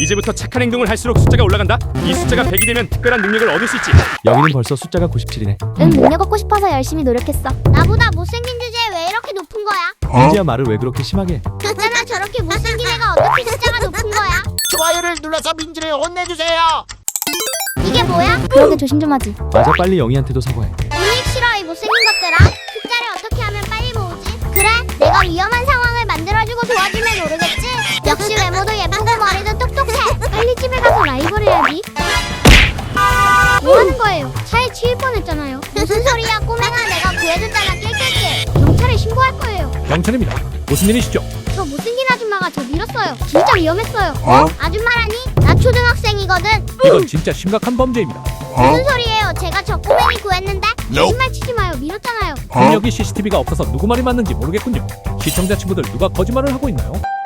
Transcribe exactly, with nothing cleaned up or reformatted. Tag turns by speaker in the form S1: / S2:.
S1: 이제부터 착한 행동을 할수록 숫자가 올라간다. 이 숫자가 백이 되면 특별한 능력을 얻을 수 있지.
S2: 여기는 벌써 숫자가 구십칠이네.
S3: 응, 능력 얻고 싶어서 열심히 노력했어. 나보다 못생긴 주제에 왜 이렇게 높은 거야?
S2: 민지야, 말을 왜 그렇게 심하게 해?
S3: 그잖아, 저렇게 못생긴 애가 어떻게 숫자가 높은 거야?
S4: 좋아요를 눌러서 민지를 혼내주세요.
S3: 이게 뭐야? 그러게 조심 좀 하지.
S2: 맞아, 빨리 영희한테도 사과해.
S3: 우익 싫어, 이 못생긴 것들아. 숫자를 어떻게 하면 빨리 모으지? 그래, 내가 위험한 상황을 만들어주고 도와주면 모르겠지? 역시 외모도 예쁘고 머리도 똑똑해. 빨리 집에 가서 라이벌 해야지. 뭐 하는 거예요? 차에 치일 뻔했잖아요. 무슨 소리야, 꼬맹아. 내가 구해줬잖아. 낄낄낄. 경찰에 신고할 거예요.
S2: 경찰입니다. 무슨 일이시죠?
S3: 저 못생긴 아줌마가 저 밀었어요. 진짜 위험했어요.
S2: 어?
S3: 아줌마라니? 나 초등학생이거든.
S2: 이건 진짜 심각한 범죄입니다.
S3: 무슨 소리예요? 제가 저 꼬맹이 구했는데. 거짓말 치지 마요. 밀었잖아요.
S2: 여기 씨씨티비가 없어서 누구 말이 맞는지 모르겠군요. 시청자 친구들 누가 거짓말을 하고 있나요?